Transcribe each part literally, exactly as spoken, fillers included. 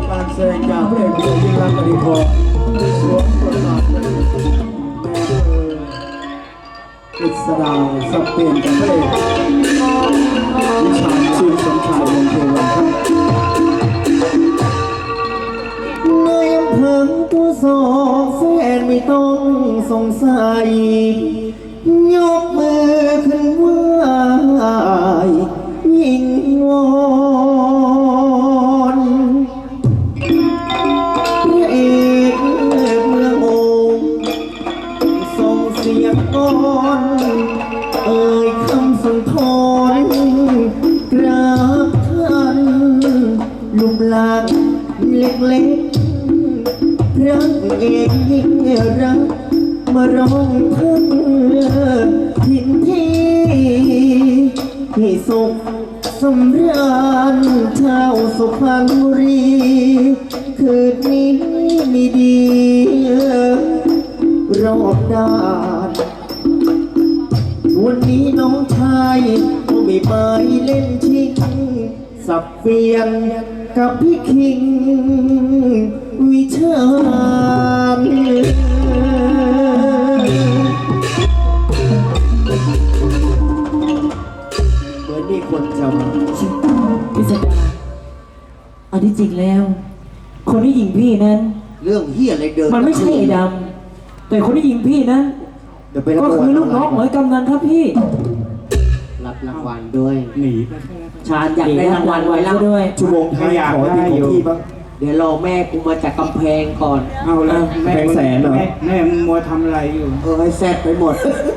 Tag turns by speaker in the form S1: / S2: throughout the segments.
S1: การแสดงจากพระเอกยิ่งรักอดีพรสวมบทบาทเป็นแม่เออกฤษดาสับเปลี่ยนกับพระเอกวิชาญชื่อสมชายวงศ์เทวันครับ
S2: ในอำเภอตัวสองแฟนไม่ต้องสงสัยยกมือขึ้นไหวยิงวอนพระเอกเมืองโอ่งส่งเสียงก้อนเอ่ยคำสุนทรกราบท่านลุมลางเล็กๆพระเอกยิ่งรักมาร้องทั้งทินที่ให้สุขสำราญชาวสุพรรณบุรีคืนนี้มีดีรอบด้านวันนี้น้องชายก็ไม่ไปเล่นชิงสับเฟียนกับพี่คิงวิชาญเหมือนมีคนจำ
S3: พิสดารอันที่จริงแล้ว คนที่ยิงพี่นั้น
S2: เรื่องเฮียอะไรเดิน
S3: มันไม่ใช่ไอ้ดำแต่คนที่ยิงพี่นั้นก็คือลูกน้องเหมือนกำนันครับพี่
S2: รับรางวัลด้วย
S1: หนี
S2: ชาญอยากได้รางวัลไว้แล้ว
S3: ด้วย
S2: ชั่วโมงท้ายขอที่ของพี่บ้างเดี๋ยวรอแม่กูมาจากกำแพงก่อน
S1: เอาแล้ว
S2: แม่แสนเหรอ
S1: แม่มึงมัวทำอะไรอยู่
S2: เออให้แซ่บไปหมด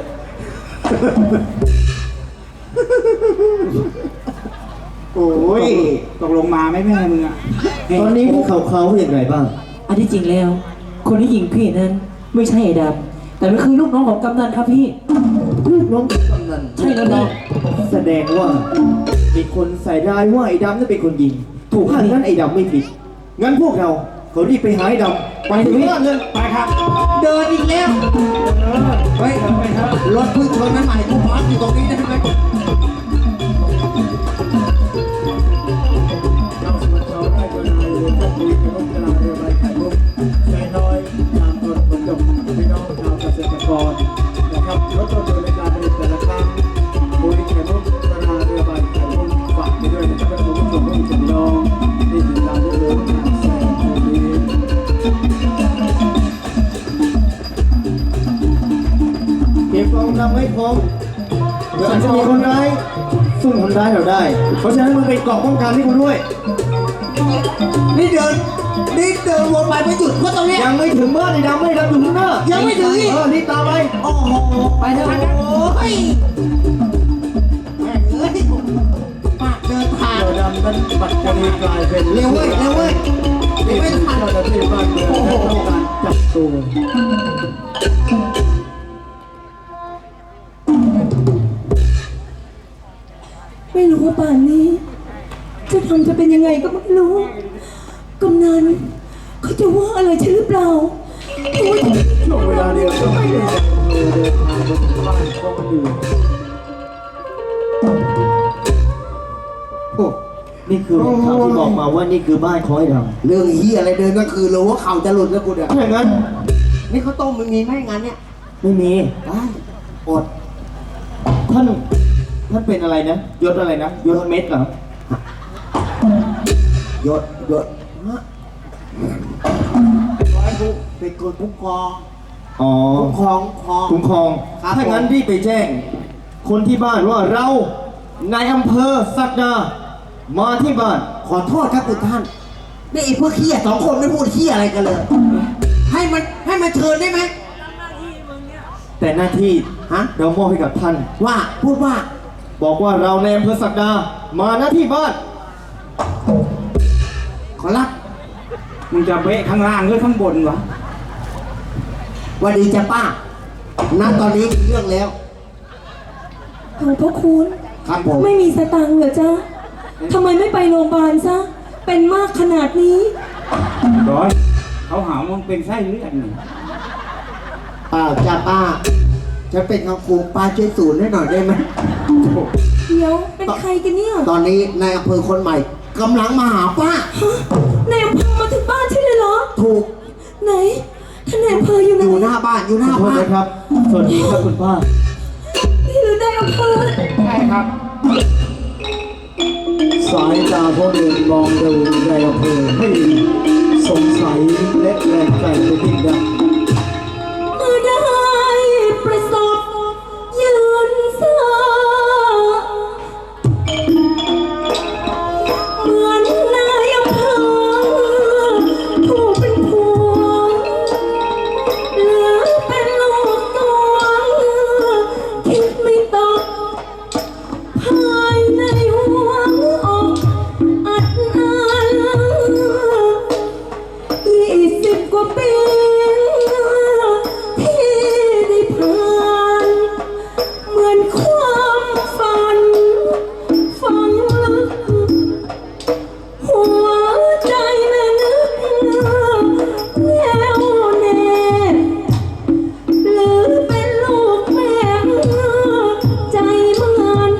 S2: โอ้ย
S1: ตกลงมาไหมแม่มึงอ่ะ
S2: ตอนนี้พวกเขาเขาอย่างไรบ้าง
S3: อันที่จริงแล้ว คนที่ยิงพี่นั้นไม่ใช่ไอ้ดำแต่มันคือลูกน้องของกำนันครับพี่
S2: ลูกน้องของกำนัน
S3: ใช่แล้วน้อง
S2: แสดงว่ามีคนใส่ร้ายว่าไอ้ดำนั่นเป็นคนยิงถูกถ้างั้นไอ้ดำไม่ผิดงั้นพวกเราเขารีบไปหาไอ้ดำไปถึงบ้านเลย
S1: ไปครับ
S2: เดินอีกแล้ว
S1: ไปไปครับ
S2: รถพึ่งชนนั้นใหม่กูพาร์คอยู่ตรงนี้ได้ไหม
S1: เราสมัครเราได้โดยนายเรือพวกคุยกับรถกระลาเรือใบไข่มุกใจน้อยตามต้นผลจบพี่น้องชาวเกษตรกรนะครับรถต้นในการผลิตแต่ละครั้งคุยไข่มุกกระลาเรือใบไข่มุกฝากไปด้วยนะครับเป็นผู้ชมผู้ชมน้องที่ติดตามเรือทางแซงตัวนี้
S2: เก็บกองทำให้พร้อมเดี๋ยวอาจจะมีคนร้ายซุ่มคนร้ายเราได้เพราะฉะนั้นมึงเป็นเกราะป้องกันให้กูด้วยนี่เดินนี่เดินวนไปไม่หยุดเพราะตรงนี้ยังไม่ถึงบ้านไอ้ดำไม่ดำอยู่ข้างหน้ายังไม่ถึงเออนี่ตามไปโอ้โหไปเถอะโอ้ยแม่เอ้ยปากเดินทาง
S1: เรือดำนั้นปัจจุบันกลายเป็น
S2: เร็วเว้ยเร็วเว้ย
S1: นี่เป็นเจ้าหน้าที่บ้านเมืองต้องการจับตัว
S4: ไม่รู้ว่าป่านนี้จะทำจะเป็นยังไงก็ไม่รู้กำนันเขาจะว่าอะไรฉันหรือเปล่า
S1: ช่วงเวลาเดียวกันที่เดินทางบนบ้านก็มาอยู่
S2: โอ้นี่คือข่าวที่บอกมาว่านี่คือบ้านของไอ้ดำเรื่องเฮียอะไรเดินก็คือรู้ว่าเขาจะหลุดแล้วกูเนี่ยถ้าอย่างนั้นนี่เขาต้มมันมีไหมงานเนี้ยไม่มีได้อดท่านท่านเป็นอะไรนะยศอะไรนะยศเม็ดเหรอยศยศฮะร้อยผู้เป็นคนคุ้มครองอ๋อคุ้มครองคุ้มครองถ้างั้นรีบไปแจ้งคนที่บ้านว่าเรานายอำเภอศักดามาที่บ้านขอโทษครับคุณท่านนี่ไอ้พวกเขี้ยสองคนไม่พูดเขี้ยอะไรกันเลยให้มันให้มันเชิญได้ไหมแต่หน้าที่ฮะเรามอบให้กับท่านว่าพูดว่าบอกว่าเราในอำเภอศักดามาหน้าที่บ้านขอรับ
S1: มึงจะเบะข้างล่างหรือข้างบนวะ
S2: วันดีจ้ะป้าณตอนนี้เรื่องแล้ว
S4: ขอบพระคุณ
S2: ครับผม
S4: ไม่มีสตังค์เหรอจ๊ะทำไมไม่ไปโรงพยาบาลซะเป็นมากขนาดนี้
S1: ร้อยเขาหามึงเป็นไส้เลือดหนึ่ง
S2: เปล่าจ้ะป้าจะเป็นคำครูป้าช่วยศูนย์ให้หน่อยได้ไหม
S4: เดี๋ยวเป็นใครกันเนี่ย
S2: ตอนนี้นายอำเภอคนใหม่กำลังมาหาป้า
S4: นายอำเภอมาถึงบ้านใช่เลยเหรอ
S2: ถูก
S4: ไหนท่านนายอำเภออยู่ไหน
S2: อยู่หน้าบ้านอยู่หน้า
S3: ขอโทษ
S2: บ้าน
S3: นะครับ สวัสดีครับคุณป้า
S4: นี่หรือนายอำเภอ
S5: ใช่ครับ
S1: สายตาพ่อเดินมองดูในอำเภอให้สงสัยและแรงใจไปยิ่งนัก
S4: เมื่อได้ประสบยืนสาเหมือนนายอำเภอผู้เป็นผัวเหลือเป็นลูกตัวคิดไม่ตกภายในหัวอกอัดอั้นยี่สิบกว่าปีที่ได้ผ่านเหมือนความฝันฝังลึกหัวใจแม่นึกแน่วแน่หรือเป็นลูกแม่ใจมัน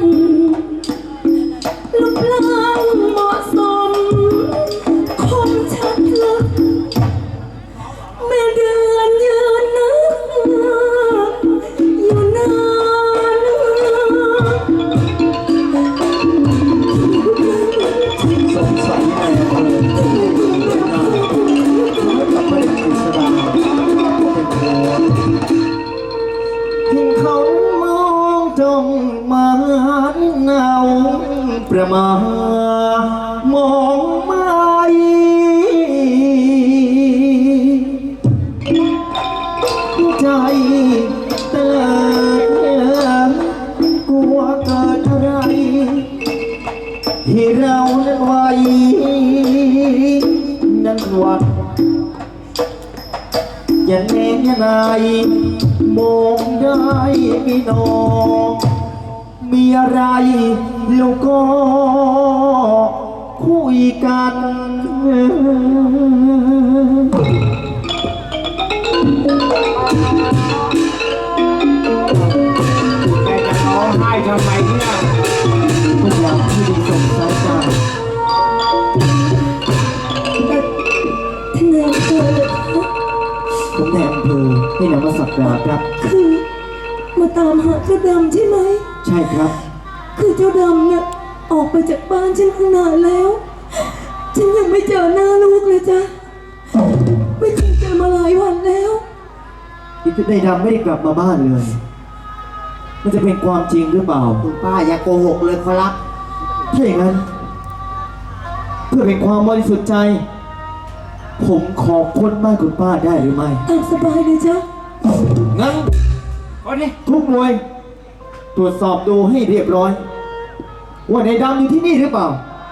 S4: รูปร่างเหมาะสมคมชัดลึกแม่เดือนยืนนึกอยู่นาน
S1: สงสัยในอำเภอแล้วกับพระเอกกฤษดาเป็นผัว
S2: เห็นเขามองจ้องมาเงาประมา มองไม่ใจเตือนกลัวเกิดอะไรที่เรานั้นไว้นั้นหวัดอย่าเน้นอย่านายมองได้ไม่นองมีอะไรเราก็คุยกัน
S5: แต่จะร้องไห้ทำไมเนี่ย
S2: ทุกอย่างที่ดีส่งสายตา
S4: ท่านนายอำเภอเลยคะ
S2: ผมแทนอำเภอให้นำมาสักการะครับ
S4: คือมาตามหาเจ้าดำใช่ไหม
S2: ใช่ครับ
S4: คือเจ้าดำเนี่ยออกไปจากบ้านฉันตั้งนานแล้ว ฉันยังไม่เจอหน้าลูกเลยจ้ะ ไม่เคยเจอมาหลายวันแล้ว
S2: ที่ได้ดำไม่ได้กลับมาบ้านเลย มันจะเป็นความจริงหรือเปล่าคุณป้าอย่าโกหกเลยครับถ้าอย่างนั้น เพื่อเป็นความบริสุทธิ์ใจ ผมขอค้นบ้านคุณป้าได้หรือไม่
S4: ตามสบายเลยจ้ะ
S2: งั้น
S5: คนนี้
S2: ทุกหน่วย ตรวจสอบดูให้เรียบร้อย ว่าในดำอยู่ที่นี่หรือเปล่า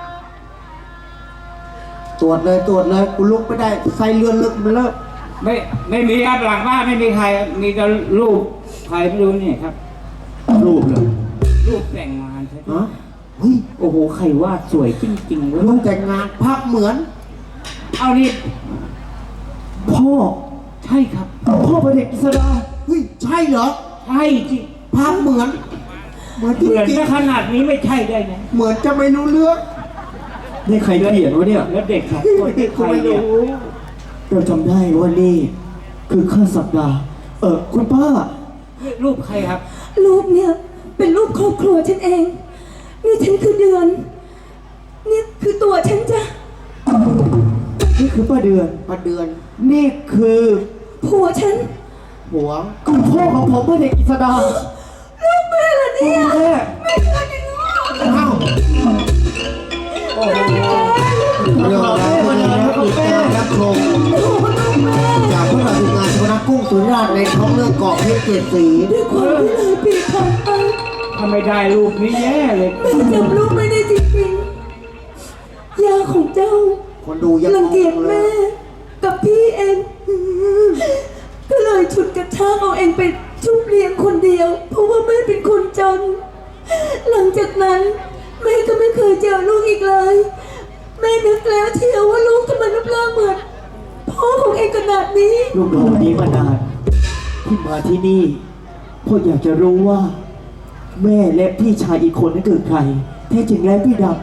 S2: ตรวจเลยตรวจเลยกูลุกไม่ได้ใส่เรือนลึกมันเลิก
S5: ไม่ไม่มีครับหลังบ้านไม่มีใคร มีแต่รูปใครไม่รู้นี่ครับ
S2: รูปเลย
S5: รูปแต่งงานใช่ไหม
S2: ฮะเฮ้ย
S5: โอ้โหใครวาดสวยจริงๆเว้ย
S2: รูปแต่งงานภาพเหมือน
S5: เอานี่
S2: พ่อ
S5: ใช่ครับ
S2: พ่อพระเด็กกิษดาเฮ้ยใช่เหรอ
S5: ใช่จริง
S2: ภาพเหมือน เหมือน
S5: เห
S2: ที่
S5: มือน
S2: จริง
S5: ถ้าขนาดนี้ไม่ใช่ได้ไง
S2: เหมือนจะไม่รู้เรื่องนี่ใครเขียนวะเนี่ย
S5: แล้วเด็กสองคนที่ใคร
S2: ไม่
S5: เนี่ย
S2: รู้เราจำได้ว่านี่ คือข้าสัปดาห์ เออคุณป้า
S5: รูปใครครับ
S4: ลูกเนี่ยเป็นลูกครอบครัวฉันเอง นี่ฉันคือเดือน นี่คือตัวฉันจ้ะ
S2: นี่คือป้าเดือนป้าเดือน นี่คือ
S4: ผัวฉัน
S2: หัวคุณพ่อของผมพระเด็กกิษดา
S4: ลูกแม่เหรอเนี่ย
S2: แม่
S4: แม่เดือนยังงอ
S2: อ้าวโอ้โหเรื่องราวพวกนี้นะติดตามรับชม
S4: โอ้โหลูกแม่
S2: จากพวกเราทีมงานชนะกุ้งสุราษฎร์ในท้องเรื่องเกาะเพชรเจ็ดสี
S4: ด้วยความที่เลยปีผ่านไป
S5: ถ้าไม่ได้รูปนี้แย่เลย
S4: แม่จำลูกไม่ได้จริงๆยาของเจ้า
S2: คนดูยัง
S4: รังเกียจ
S2: เล
S4: แม่
S2: ย
S4: กับพี่เอง ก็เลยฉุดกระชากเอาเองไปชุบเลี้ยงคนเดียว เพราะว่าแม่เป็นคนจน หลังจากนั้นแม่ก็ไม่เคยเจอลูกอีกเลย แม่นึกแล้วเชียวว่าลูกทำไมรูปร่างเหมือนพ่อของเองขนาดนี้
S2: ลูกรอวันนี้มานานที่มาที่นี่พ่ออยากจะรู้ว่า แม่และพี่ชายอีกคนนั้นคือใครแท้จริงแล้วพี่ด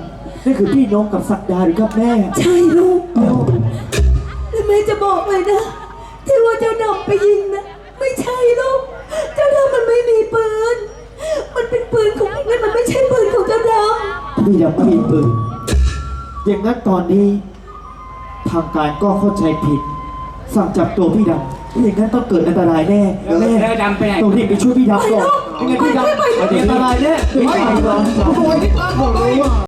S2: นั่นคือพี่น้องกับศักดาหรือครับแม่
S4: ใช่ลูกแล้วแม่จะบอกเลยนะ ที่ว่าเจ้าดำไปยิงนะไม่ใช่ลูก เจ้าดำมันไม่มีปืน มันเป็นปืนของมันมันไม่ใช่ปืนของเจ้าดำ
S2: พี่ดำไม่มีปืนอย่างนั้นตอนนี้ทางการก็เข้าใจผิด สั่งจับตัวพี่ดำอย่างนั้นต้องเกิดอันตรายแน่แม่
S5: แล้วดำไปไหน
S2: ต้องรีบไปช่วยพี่ดำก่อนยังไงพี่ดำอันตรายแน่
S1: ไม่ไปหรอก